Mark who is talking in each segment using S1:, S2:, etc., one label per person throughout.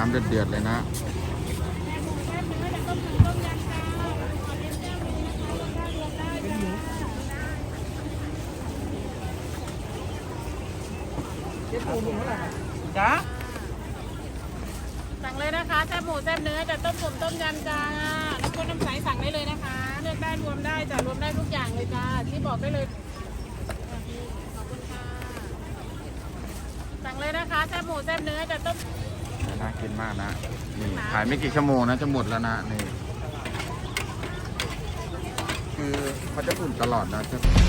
S1: ำเดือดๆเลยนะ
S2: จ้า
S3: สั่งเลยนะคะแซ่บหมูแซ่บเนื้อจะต้มผมต้มยำจ้าน้ำข้นน้ำใสสั่งได้เลยนะคะเลือกได้รวมได้จ้ะรวมได้ทุกอย่างเลยจ้าที่บอกได้เลยขอบคุณค่ะสั่งเลยนะคะแซ่บหมูแซ่บเนื้อจะต้ม
S1: น่ากินมากนะนี่ขายไม่กี่ชั่วโมงนะจะหมดแล้วนะนี่คือเขาจะอุ่นตลอดนะ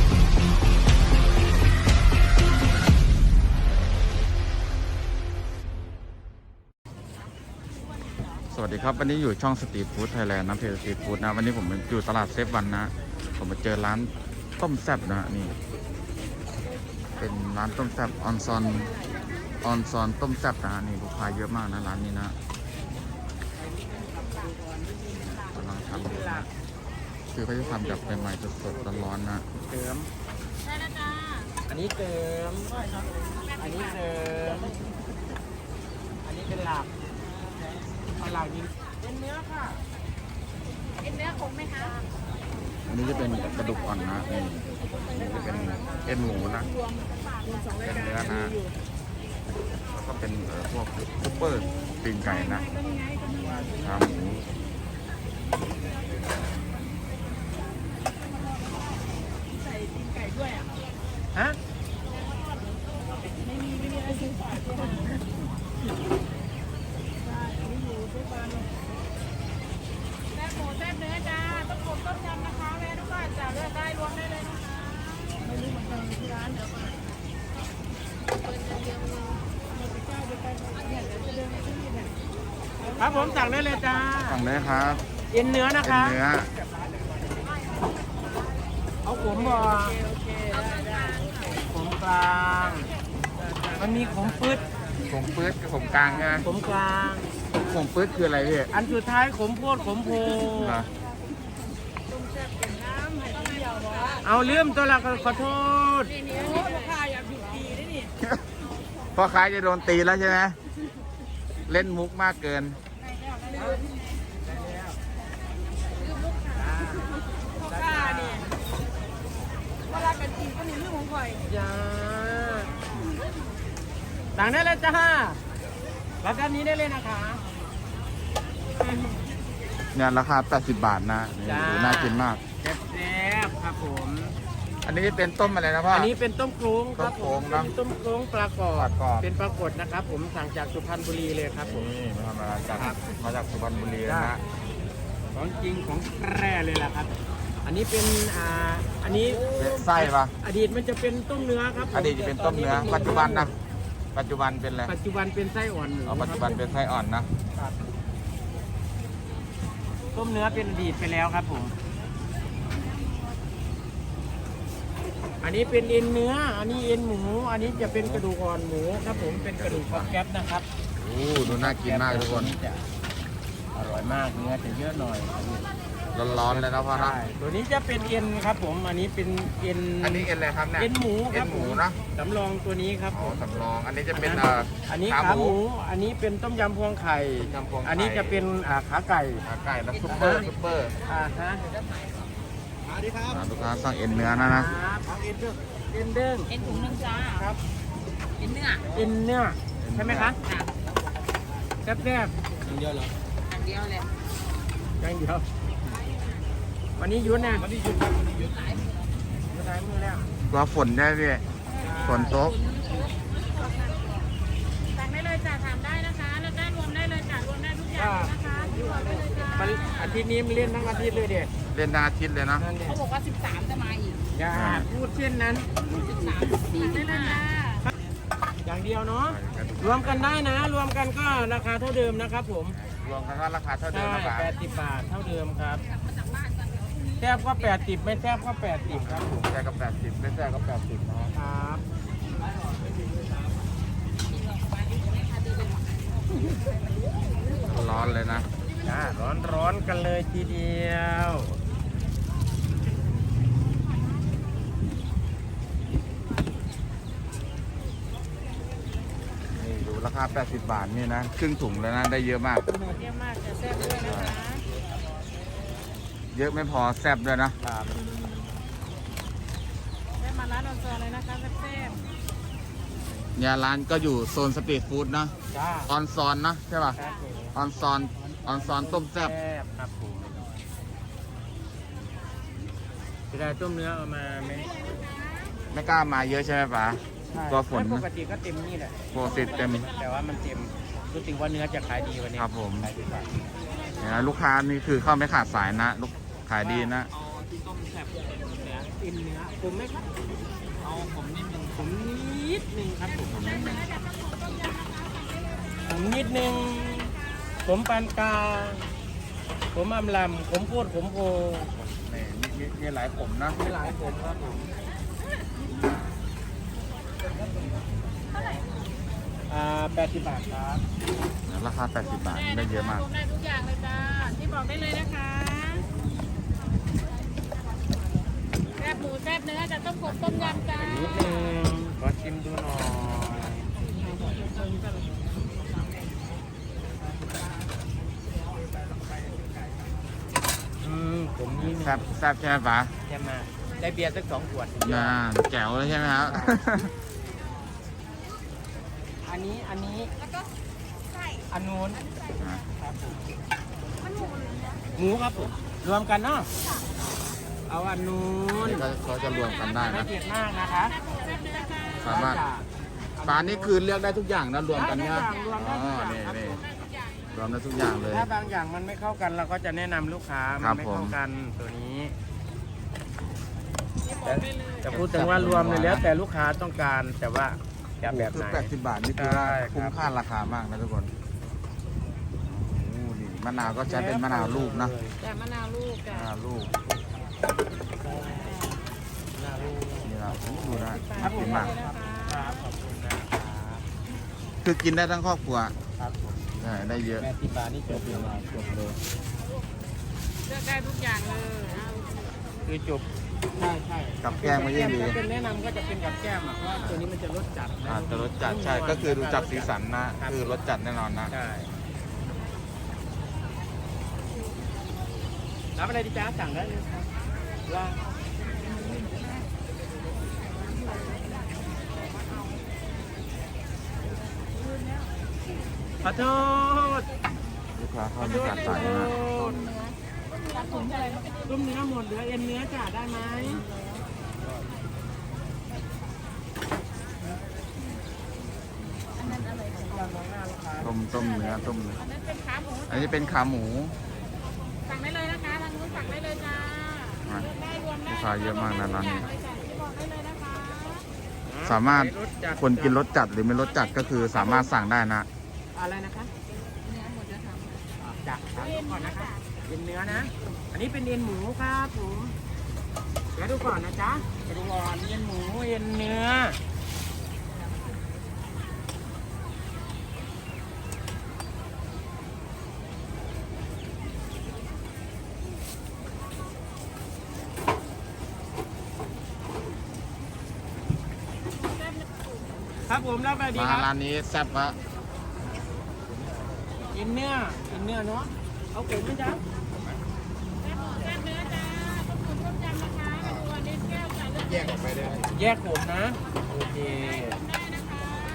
S1: สวัสดีครับวันนี้อยู่ช่องสตรีทฟู้ดไทยแลนด์นะเพจสตรีทฟู้ดนะวันนี้ผมอยู่ตลาดเซฟวันนะผมมาเจอร้านต้มแซ่บนะนี่เป็นร้านต้มแซ่บออนซอนต้มแซ่บนะนี่ลูกค้าเยอะมากนะร้านนี้นะกำลังทำอยู่นะคือเขาจะทำแบบใหม่ๆสดๆร้อนๆนะ
S2: เติม
S3: ได้แล้วจ้า
S2: อันนี้เติมอันนี้เติมอันนี้เป็นหลักเอาหลักยิงเป็นเนื้อค่ะ
S3: เอ็นเนื้อคงไหมคะ
S1: อันนี้จะเป็นกระดูกอ่อนนะนี่จะเป็นเอ็นหมูนะเป็นเนื้อนะแล้วก็เป็นพวกซุปเปอร์ตีนไก่นะขาหมู
S2: ฮะ
S3: แซ่บหมูแซ่บเนื้อจ้าต้มผมต้มยำนะคะแม่ทุกคนจ้าเลือกได้รวมได้เลยนะคะไม่รู้เหมือนกันที่ร้านเดี๋ยวมา
S2: ครับผมสั่งได้เลยจ้า
S1: สั่งเลยครับ
S2: เอ็นเนื้อนะ
S1: เป็น
S2: คะ
S1: เนื้อ
S2: เอาขมบ่ขมกลางมันมีขมปืด
S1: ผงปื๊ดกับผงกลางใช่ไหม
S2: ขมกลาง
S1: ผงปื๊ดคืออะไรพี่
S2: อันสุดท้ายขมโพดขมโพ
S1: เหรอ
S2: เอาเลื่อมตัวละขอโทษ
S1: พ่อค้าจะโดนตีแล้วใช่ไหมเล่นมุกมากเกิน
S2: จ้าสั่งได้เลยจ้ารับด้านนี้ได้เลยนะคะ
S1: เนี่ยราคา 80 บาทนะนี่
S2: จ้า
S1: ดูน่ากินมาก
S2: แซ่บๆครับผม
S1: อันนี้เป็นต้มอะไรนะพ่อ
S2: อั
S1: อั
S2: นนี้เป็นต้มโครงครับ
S1: ต้มโครง
S2: ผม
S1: เนอะ
S2: เป็นต้มโครงปลากรอ
S1: ปลา
S2: บ
S1: กรอบ
S2: เป็นปลากดนะครับ ผมสั่งจากสุพรรณบุรีเลยครับผม
S1: นี่มาจากสุพรรณบุรีนะฮะ
S2: ของจริงของแท้เลยแหละครับ อันนี้เป็นอันนี้
S1: ไส้ปะ
S2: อดีตมันจะเป็นต้มเนื้อครับผม
S1: อดีตจะเป็นต้มเนื้อ ปัจจุบันนะปัจจุบันเป็นอะไร
S2: ปัจจุบันเป็นไส้อ่อนหมู
S1: เอาปัจจุบันเป็นไส้อ่อนนะ
S2: ครับต้มเนื้อเป็นอดีตไปแล้วครับผม อันนี้เป็นเอ็นเนื้อ อันนี้เอ็นหมู อันนี้จะเป็นกระดูกอ่อนหมูครับผม เป็นกระดูกของแก๊ปนะครับ
S1: โอ้ดูน่ากินมากทุกคน
S2: จะอร่อยมาก เนื้อจะเยอะหน่อย
S1: ร้อนๆเลยนะพ่อนะ
S2: ใช่ตัวนี้จะเป็นเอ็นครับผม อันนี้เป็นเอ็น
S1: อันนี้เอ็นอะไรครับเนี่ย
S2: เอ็นหมูค
S1: เอ็
S2: รั
S1: น
S2: บ
S1: หมูนะ
S2: สำรองตัวนี้ครับ
S1: อ๋อสำรอง อันนี้จะเป็น
S2: อันนี้ขาหมู อันนี้เป็นต้มยำพวงไข่
S1: ต้มยำพวงไข่
S2: อันนี้จะเป็นขาไก่
S1: ขาไก่แล้วซุปเปอร์ซุปเปอร์
S2: ฮะสวัสดีครับ
S1: ลูกค้าสั่งเอ็นเนื้อนะนะ
S2: เอาเอ็นเด้งเอ็นเด้ง
S3: เอ็นถุงนึงจ้า
S2: ครับ
S3: เอ็นเนื้อ
S2: เอ็นเนื้อใช่ไหมคะ
S3: ค่ะ
S2: แซ่บอย่างเดียวเหรอ
S3: อันเดียวเลย
S2: อย่างเดียววันนี้หยุดนะวันนี้หยุดครับวันนี้หยุดหลายมือแล้ว
S1: กลัวฝนได้พี่ฝนตก
S3: สั่งได้เลยจ้าถามได้นะคะเลือกได้รวมได้เลยจ้ารวมได้ทุกอย่างเลยนะคะที่บอกได้เลยจ้า
S2: มันอาทิตย์นี้มันเล่นทั้งอาทิตย์เลยเด็ด
S1: เล่นทั้งอาทิตย์เลยนะ
S2: นั่นเด็
S3: เขาบอกว่า 13 จะมาอีก
S2: อย่าพูดเช่นนั้น
S3: 13ดีได้เลยจ้า
S2: อย่างเดียวเนาะรวมกันได้นะ รวมกันก็ราคาเท่าเดิมนะครับผม
S1: รวมกันก็ราคาเท่าเดิ
S2: ใช่
S1: มนะครับ
S2: 80 บาทเท่าเดิมครับแทบก็80ไม่แทบก็80ครับผม
S1: แค่กับ80ไม่แค่กับ80นะครับ ร้อนเลยนะ
S2: ร้อนกันเลยทีเดียว
S1: นี่ดูราคาา 80 บาทนี่นะ ครึ่งถุงแล้วนะ ได้เยอะมาก
S3: เยี่ยมมากจะแซ่บด้วยนะคะ
S1: เยอะไม่พอแซ่บด้วยนะ
S2: ครับ
S3: ได้มาร้านออนซอนเลยนะคะแซ่บ
S1: เนี่ยร้านก็อยู่โซนสตรีทฟู้ดนะ
S2: จ้า
S1: ออนซอนนะใช่ป่ะ
S2: ครับผม
S1: ออนซอน ออนซอนต้มแซ่บ
S2: ครับผมจะได้ต้มเนื้อเอามาไหม
S1: ไม่กล้ามาเยอะใช่ไหมป๋า กลัวฝน
S2: ปกติก็เต็มนี่แหละ
S1: โปรติดเต็ม
S2: แต่ว่ามันเต็มรู้สึกว่าเนื้อจะขายดีวันนี้
S1: ครับผม
S2: ขายดีกว่า
S1: เนี่ยนะลูกค้านี่คือเข้าไม่ขาดสายนะลูกขายดีนะ
S2: เอาที่ต้มแซ่บเนื้ออิ่มเนื้อผมไหมครับเอาผมนิดนึงผมนิดนึงครับผมผมนิดนึงผมปานกลางผมอำลำผมพูดผมโพ
S1: นี่มีหลายผมนะ
S2: มีหลายผมครับผม80 บาทครับ
S1: ราคา 80 บาท
S3: ๆ
S1: ได้เยอะมาก
S3: รวมได้ทุกอย่างเลยจ้าที่บอกได้เลยนะคะแซ่บหมูแซ่บเนื้อจะต้มกบต้มยำจ้า
S2: นิดนึงขอชิมดูหน่อยผมนี่
S1: แซ่บแซ่บใช่ไหมป๋า
S2: แย่มากได้เบียร์สัก2 ขวด
S1: น่าแจ๋วเลยใช่ไหมครับ
S2: อันนี้แล้วก็อันนู้นครับผมหมูครับผมรวมกันเนาะเอาอันนู้น
S1: เขาจะรวมกันได้
S2: ไม่
S1: นะ
S2: เผ็ดมากนะคะ
S1: สามารถปลานี่คือเลือกได้ทุกอย่างนะรวมกันเนี่ย
S2: รวม
S1: อ๋
S2: ได้
S1: อ
S2: ทุกอย่าง
S1: นี่
S2: ครับ
S1: นี่รวมได้ทุกอย่างเลย
S2: ถ้าบางอย่างมันไม่เข้ากันเราก็จะแนะนำลูกค้า
S1: ครั
S2: มัน
S1: บ
S2: ไม่
S1: ผม
S2: เข้ากันตัวนี้
S3: ที่บอกได้เลย
S2: แต่พูดถึงว่ารวมเลยแล้วแต่ลูกค้าต้องการแต่ว่าจะแบบ
S1: คือ
S2: ไหน
S1: 80 บาทนี่คือว่า
S2: ใช่ครับ
S1: คุ้มค่าราคามากนะทุกคนโอ้นี่มะนาวก็ใช้เป็นมะนาวลูกนะ
S3: จ้ามะนาวลูกจ้ะ
S1: มะนาวลูก
S2: หน้าลูก
S1: นี่นะดูนะ
S2: ครับผ
S1: กิ
S2: ม
S1: นมาก
S2: ครับขอบคุณนะครับ
S1: คือกินได้ทั้งครอบครัว
S2: ครับผม
S1: ใช่ได้เยอะ
S2: 80 บาทนี่จบเลยจบเลย
S3: เลือกได้ทุกอย่างเลยเอา
S2: คือจบใช่
S1: กับแกล้มก็ยิ่งดี
S2: ถ้าเป็นแนะนำก็จะเป็นกับแก้มอ่ะเพราะว่าตัวนี้มันจะรสจัดนะ
S1: จะรสจัดใช่ก็คือดูจากสีสันนะคือรสจัดแน่นอนนะ
S2: ใช่รับอะไรดีจ้าสั่งได้เลยครับว่าขอโทษ
S1: ลูกค้าเข้าไม่ขาดสายนะ
S3: ต้มอะไรมาเป็น
S2: ต้มเนื้อหมดเหลือเอ็นเนื้อจ่าได้ไหมมองหน้าลูกค้า
S1: ต้มเนื้อต้ม
S3: อันนั้นเป็นขาหมู
S1: อันนี้เป็นขาหมู
S3: สั่งได้เลยนะคะทางนู้นสั่งได้เลยจ้า
S1: อ่ะ
S3: เลือกได้รวมได้
S1: ลูกค้าเยอะมากนะร้านนี้
S3: ทุกอย่งเลยจ้ะที่บอกได้เลยนะคะ
S1: สามารถคนกินรสจัดหรือไม่รสจัดก็คือสามารถสั่งได้นะ
S2: อะไรนะคะ
S3: เนื้อหมดจะทำ
S2: จักถามดูก่อนนะคะเอ็นเนื้อนะ อันนี้เป็นเอ็นหมูครับผมเดี๋ยวดูก่อนนะจ๊ะเดี๋ยวดูก่อนเอ็นหมูเอ็นเนื้อครับผมรับไปดี
S1: มา
S2: ครับ
S1: ร้านนี้แซ่บฮะ
S2: เอ็นเนื้อเนาะเอาเก็บไหมจ๊ะ
S3: แซ่บหมูแซ่บเนื้อจ้าต้มตุ๋นต้มยำนะคะมาดูอันนี้แก้วจ้ะเลือก
S1: แยกออกไปเลย
S2: แยกผมนะโอเค
S3: ได้นะคะ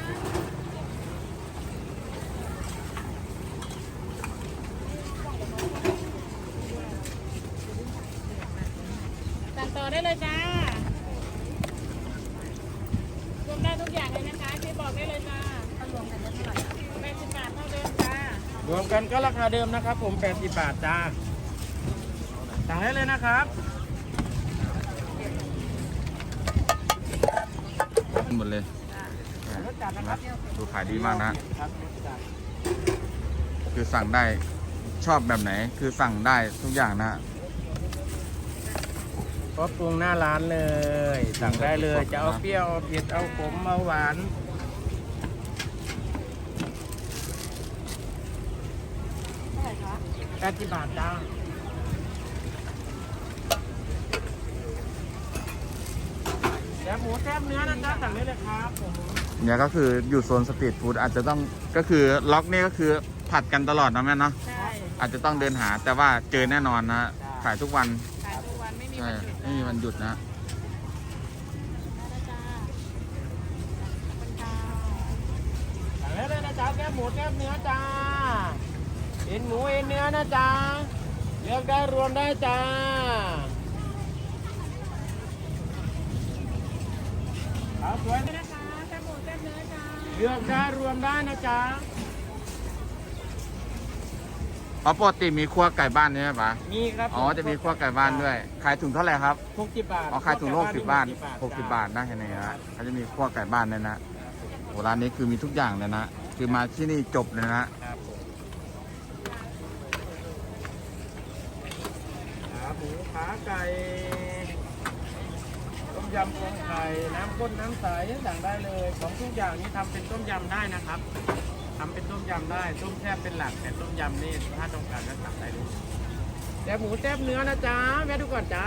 S3: สั่งต่อได้เลยจ้ารวมได้ทุกอย่างเลยนะคะที่บอกได้เลยจ้ารวมกันได้เท่าไหร่80 บาทเท่าเดิมจ้าร
S2: วมกันก็ราคาเดิมนะครับผม80 บาทจ้าสั่งได้เลยนะครับ
S1: หมดเลย
S2: รสจัดนะครับ
S1: ดูขายดีมากนะ
S2: ครับรสจัด
S1: คือสั่งได้ชอบแบบไหน คือสั่งได้ทุกอย่างนะ
S2: ครบปรุงหน้าร้านเลย สั่งได้เลยจะเอาเปรี้ยวเอาเผ็ดเอาขมเอาหวาน80 บาทจ้าแซ่บหมูแซ่บเนื้อนะจ๊ะสั่งได้เลยครับผม
S1: เนี่ยก็คืออยู่โซนสตรีทฟู้ดอาจจะต้องก็คือล็อกนี่ก็คือผัดกันตลอดนะแม่เนาะ
S3: ใช่
S1: อาจจะต้องเดินหาแต่ว่าเจอแน่นอนนะขายทุกวัน
S3: ขายทุกวันไม่มี
S1: ใช่
S3: วันหยุด
S1: ไม่มีวันหยุดนะ
S3: ได้จ้าขอบคุณค่ะ
S2: สั่งได้เลยนะจ๊ะแก้มหมูแก้มเนื้อจ้าเอ็นหมูเอ็นเนื้อนะจ๊ะเลือกได้รวมได้จ้าครับสวย
S3: นี่นะคะแซ่บหมูแซ่บเนื้อจ้า
S2: เลือกได้รวมได้นะจ๊ะ
S1: อ๋อปกติมีครัวไก่บ้านใช่ไหมปะ
S2: มีครับ
S1: อ๋อจะมีครัวไก่บ้านด้วยขายถุงเท่าไหร่ครับ
S2: 60 บาท
S1: อ๋อขายถุงโล60 บาท60 บาทนะเห็นไหมฮะเขาจะมีครัวไก่บ้านเลยนะโหร้านนี้คือมีทุกอย่างเลยนะคือมาที่นี่จบเลยนะ
S2: ครับผมขาหมูขาไก่ต้มยำกุ้งไข่น้ำข้นน้ำใสสั่งได้เลยของทุกอย่างนี้ทำเป็นต้มยำได้นะครับทำเป็นต้มยำได้ต้มแซ่บเป็นหลักแต่ต้มยำนี่ถ้าต้องการก็สั่งได้เลยแซ่บหมูแซ่บเนื้อนะจ๊ะแม่ดูก่อนจ้า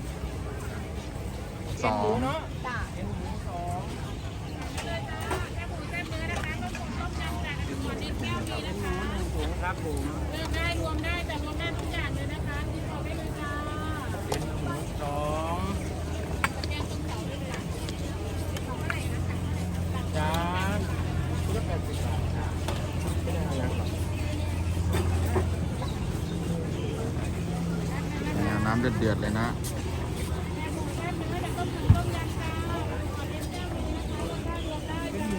S1: สอง
S2: เอ็นหมูเนาะ
S3: จ้า
S2: เอ็นหมูสอง
S3: เลยจ้าแซ่บหมูแซ่บเนื้อนะคะต้มผมต้มยำจ้าน้ำมันนิดแก้วนี้
S2: เอ็
S3: นะ
S2: นหมู
S3: คะ
S2: 1 ถุงครับผม
S3: เลือกได้รวมได้แต่รวมได้ทุกอย่างเลยนะคะที่บอกได้เลยจ้า
S2: เอ็นหมูสอง
S3: แกงต้มเต่าด้วยจ้ะของอะไรนะคะ
S2: จานชุดละ80 บาทค่ะไม่ได้อะไรหรอก
S1: เนี่ยน้ำเดือดๆเลยนะ
S3: แซ่บหมูแซ่บเนื้อแต่ต้มผมต้มยำจ้าขอเลี้ยงแก้วนี้นะคะรวมได้รวมได้จ้า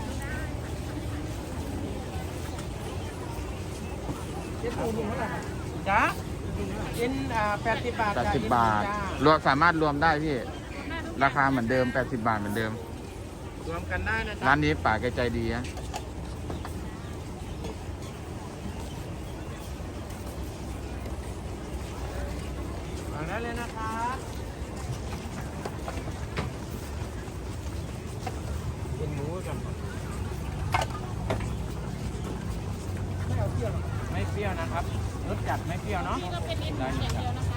S2: เอ็นหมูเท่าไหร่ครับจ้าเอ็น80 บาทจ้ะ
S1: 80 บาท
S2: จ้
S1: รวมสามารถรวมได้พี่ ราคาเหมือนเดิม 80 บาทเหมือนเดิม
S2: รวมกันได้นะจ๊ะ
S1: ร้านนี้ป่าแกใจดีนะ
S2: สั่งได้เลยนะครับเอ็นหมูกันไม่เอาเปรี้ยวหรอกไม่เปรี้ยวนะครับรสจัดไม่เปรี้ยวเนาะ
S3: นี่ก็เป็นเอ็นหมูอย่างเดียวนะคะ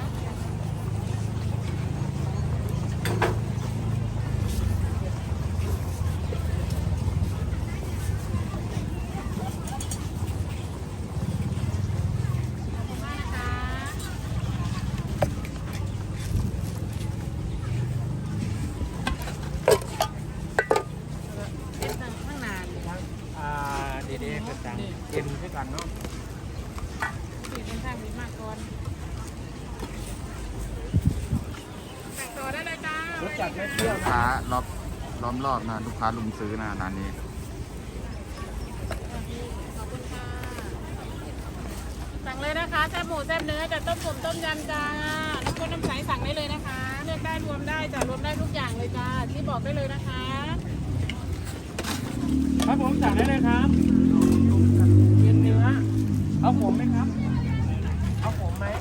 S3: ขอบคุณมากนะคะเป็นทางข้างนาน
S2: ทั้งเดๆกระจังเอ็นด้วยกันเนาะ
S3: สี่เป็นทางมีมากก่อนแต่งตัวได้เลยจ้าร
S2: สจัดไม่เปรี้ยว
S1: ลูก
S2: นะ
S1: ค้าล้อมรอบนะลูกค้าลุมซื้อนะร้านนี้
S3: ขอบคุณค่ะ สั่งเลยนะคะแซ่บหมูแซ่บเนื้อจะต้มผมต้มยำจ้าน้ำข้นน้ำใสสั่งได้เลยนะคะ เลือกได้รวมได้จ้ะรวมได้ทุกอย่างเลยจ้าที่บอกได้เลยนะคะ
S2: ครับผมสั่งได้เลยครับเอ็นเนื้อเอาผมไหมครับ เอาผมไหม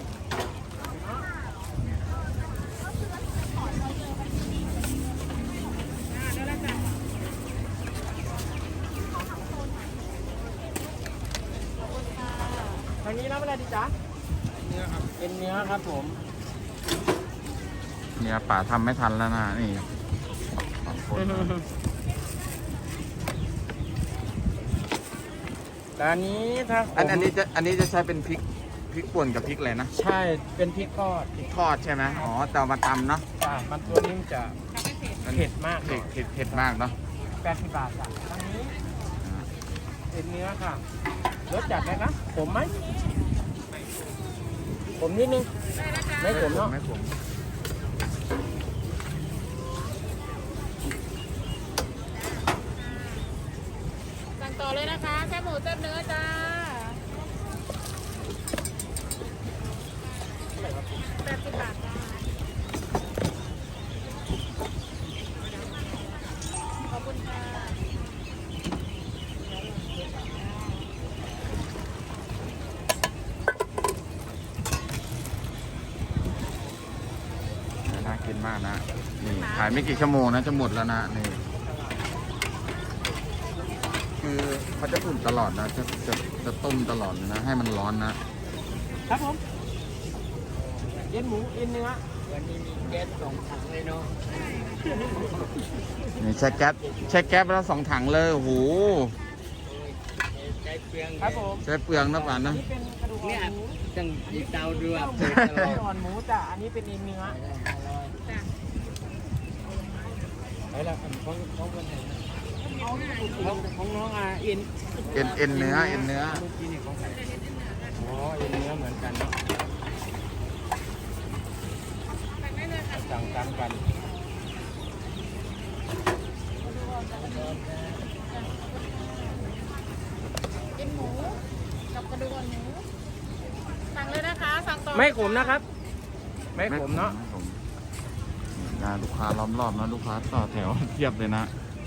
S3: ได้แล้วจ้ะ
S2: ทางนี้รับอะไรดีจ๊ะเนื้อครับเอ็นเนื้อครับผม
S1: เนี่ยป่าทำไม่ทันแล้วนะนี่สองคนนะ
S2: แต่อันนี้ถ้า
S1: อันนี้จะใช้เป็นพริกป่นกับพริกอะไรนะ
S2: ใช่เป็นพริกทอด
S1: พริกทอดใช่ไหมอ๋อแต่เอามาตำเนาะ
S2: จ้ะมันตัวนี้มันจะ
S3: ทำให้เผ็ด
S2: เผ็ดมากหน่อย
S1: เผ็ดมากเนาะ
S2: 80 บาทจ้ะทางนี้เอ็นเนื้อค่ะรสจัดไหมครับผมไหมผมนิดนึง
S3: ได้แล้วจ้า
S2: ไม่ผมเนาะ
S1: ไม่ผม
S3: สั่งต่อเลยนะคะแซ่บหมูแซ่บเนื้อจ้า80 บาทจ้าขอบคุณค่ะ
S1: น่ากินมากนะนี่ขายไม่กี่ชั่วโมงนะจะหมดแล้วนะนี่คือเขาจะอุ่นตลอดนะจะต้มตลอดเลยนะให้มันร้อนนะครับ
S2: ผมเอ็นหมูเอ็นเนื้อวันนี้มีแก๊ส2 ถังเลยเนาะ
S1: นี่ใช้แก๊สไปแล้ว2 ถังเลยโอ้โห
S2: ใช้เปลืองครับผม
S1: ใช้เปลืองนะป่านนะ
S2: นี่เป็นกระดูกอ่อนหมู
S4: จังอีเตาเรือ
S2: กระดูกอ่อนหมูจ้ะอันนี้เป็นเอ็นเนื้อ
S3: จ้ะ
S2: ไปแล้วของคนไหนของน้องเอ็น
S1: เอ็นเนื้อ
S2: เมื่อกี้นี่ของใครอ๋อเอ็นเนื้อเหมือนกันเนาะ
S3: สั่งได้เลยค่ะ
S2: สั่งตามกัน
S3: กินหมูกับกระดูกอ่อนหมูสั่งเลยนะคะสั่งต่อ
S2: ไม่ขมนะครับ ไม่ขมเนาะ
S1: ผมนะลูกค้าล้อมรอบนะลูกค้าต่อแถว เทียบเลยนะ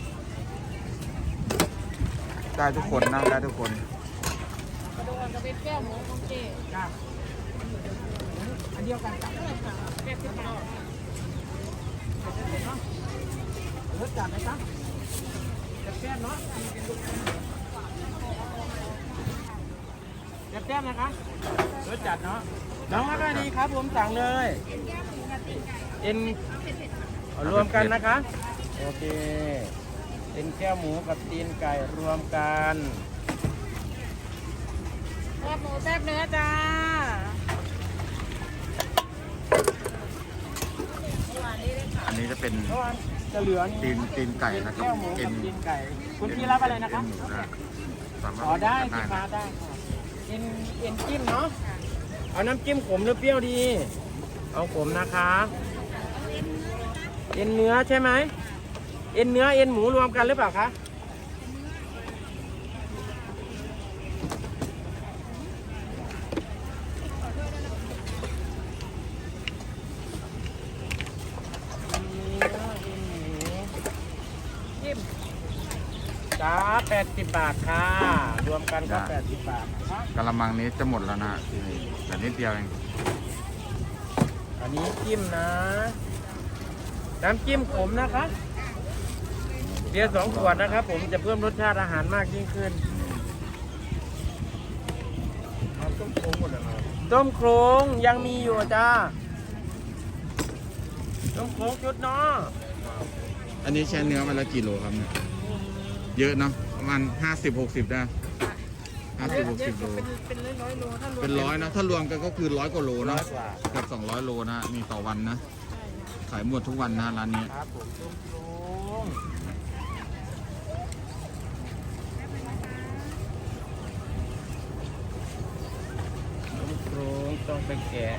S1: ได้ทุกคนนะได้ทุกคน
S3: กระดูกอ่อนกับเป็นแก้วหมูโอเค
S2: ครับอันเดียวกันครับ
S3: เท่าไหร่คะ80 บาท
S2: รสจัดไหมครับแซ่บๆเนาะแซ่บๆนะคะรสจัดเนาะน้องมาได้ดีครับผมสั่งเลยเอ็นเอารวมกันนะคะโอเคเอ็นแก้วหมูกับตีนไก่รวมกัน
S3: แซ่บหมูแซ่บเนื้อจ้า
S1: อันนี้จะเป็น
S2: เพราะว่าจะเหลือนี่
S1: ตีนไก่นะครับ
S2: แก้วหมู
S1: เอ็
S2: กับ
S1: น
S2: ตีนไก่คุณพี่รับอะไรนะคะ
S1: เอ็นหมูนะสามารถ
S2: อ๋อได้
S1: เลื
S2: สิ
S1: อก
S2: คะ
S1: นะ
S2: ได้ค่ะเอ็นจิ้มเนาะเอาน้ำจิ้มขมหรือเปรี้ยวดี เอาขมนะคะเอ็นเนื้อใช่ไหมเอ็นเนื้อเอ็นหมูรวมกันหรือเปล่าคะจิ้มจ้า80 บาทค่ะ รวมกันก็80 บาทนะคะ
S1: กะละมังนี้จะหมดแล้วนะแต่นิดเดียวเอง
S2: อันนี้จิ้มนะ น้ำจิ้มขมนะคะเบียร์2 ขวดนะครับผมจะเพิ่มรสชาติอาหารมากยิ่งขึ้นต้มโครงหมดแล้วต้มโครงยังมีอยู่จ้าต้มโครงชุดเนาะ
S1: อันนี้ใช้เนื้อมาแล้วกี่โลครับเนี่ยเยอะเนาะประมาณ50-60ได้50-60 โล
S3: เป็นร้อยๆโลถ้ารวม
S1: เป็นร้อยนะถ้ารวมกันก็คือ100 กว่าโล
S2: ร้
S1: เนาะ
S2: อยกว่า
S1: เกับ200 โลนะมีต่อวันนะขายหมดทุกวันนะร้านนี้
S2: ครับผมต้มโครงต้มโครงต้องไปแกะ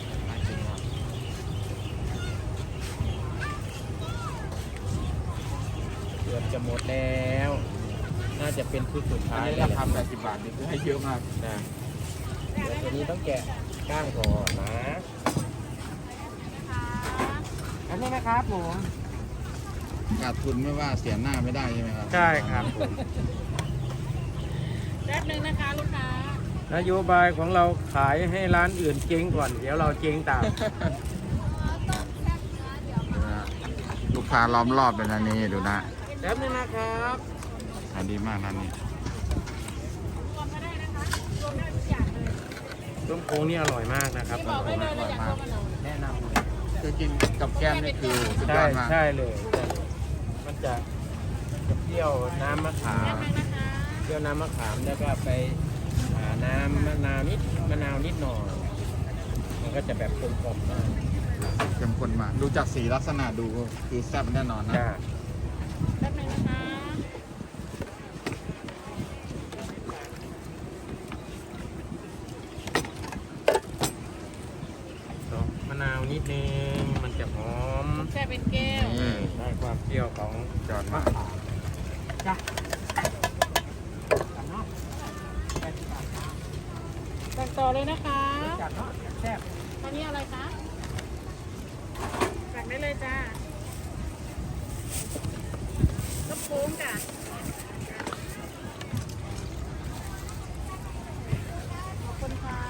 S2: เกือบจะหมดแล้ว น่าจะเป็นชุดสุดท้ายแล้ว
S1: 80 บาทนี่คือให้เยอะมาก
S2: นะเดี๋ยวตัวนี้ต้องแกะก้างก่อนนะอันนี้นะครับผม
S1: ขาดทุนไม่ว่าเสียหน้าไม่ได้ใช่ไหมครับ
S2: ใช่ครับผม
S3: แป๊บนึงนะคะลูกค้าน
S2: โยบายของเราขายให้ร้านอื่นเจ๊งก่อน เดี๋ยวเราเจ๊งตาม
S1: ลูกค้าล้อมรอบเป็นอันนี้ดูนะ
S2: แป๊บนึงนะครับ
S1: ขายดีมากร้านนี้
S3: รวมก็ได้นะคะรวมได้ทุกอย่างเลย
S2: ต้มโค้งนี่อร่อยมากนะครับ
S3: ที่บอกได้เลยเราอยากรวมกันเหรอ
S2: แนะนำเลย
S1: คือกินกับแก้มนี่คือสุดย
S2: ใช่
S1: อดมาก
S2: ใช่เลยใช่มันจะเปรี้ยวน้ำมะขา
S3: แป๊บ
S2: ม
S3: นึงนะคะ
S2: เปรี้ยวน้ำมะขามแล้วก็ไปน้ำมะนาวนิดหน่อย มันก็จะแบบกลมกล่อมมาก
S1: เข้มข้นมากดูจากสีลักษณะดูคือแซ่บแน่นอนนะ
S2: จ้า
S3: แป๊บนึงนะคะ
S2: มะนาวนิดนึงมันจะหอม
S3: แช่เป็นแก้ว
S1: นี่
S2: ได้ความเปรี้ยวของ
S1: จอดมาก
S2: จ้า
S3: สั่งต่อเลยนะคะ
S2: จัดเนาะแซ่บ
S3: ตอนนี้อะไรคะสั่งได้เลยจ้าลูกโค้งจ้ะขอบคุณค่ะ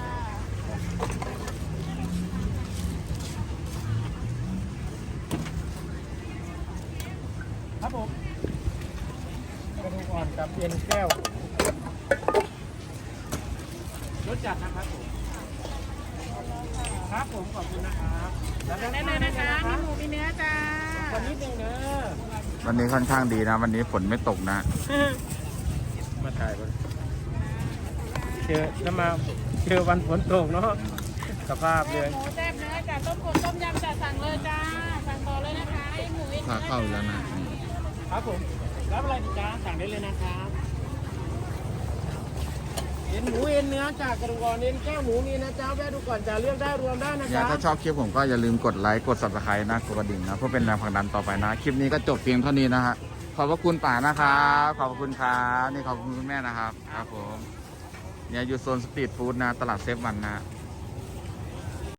S2: ครับผมกระดูกอ่อนกับเอ็นแก้วรสจัดนะครับผมครับผมขอบคุณนะครับ
S3: สั่งได้เลยนะคะมีหมูมีเนื้อจ้า
S2: วันนี้หนึ่งเนอะ
S1: วันนี้ค่อนข้างดีนะ วันนี้ฝนไม่ตกนะ
S2: มาถ่ายบนเจอถ้ามาเจอวันฝนตกเนาะสภาพเลย
S3: หมูแซ่บเนื้อจ้าต้มผมต้มยำจ้าสั่งเลยจ้าสั่งต่อเลยนะคะไอ้หมูเอ็น
S1: พา
S3: เนื้อ
S1: เข้าอีกแล้วนะนี่
S2: ครับผมรับอะไรดีจ้าสั่งได้เลยนะครับเอ็นหมูเอ็นเนื้อจากกระดูกอ่อนเอ็นแก้วหมูมีนะจ้าแวะดูก่อนจะเลือกได้รวมได้นะ
S1: เนี่ย
S2: จ๊ะ
S1: ถ้าชอบคลิปผมก็อย่าลืมกดไลค์กด subscribe นะกดกระดิ่งนะเพื่อเป็นแรงผลักดันต่อไปนะ คลิปนี้ก็จบเพียงเท่านี้นะฮะขอบพระคุณป่านะครับขอบพระคุณครับนี่ขอบคุณคุณแม่นะครับครับผมเนี่ยอยู่โซนสตรีทฟู้ดนะตลาดเซฟวันนะ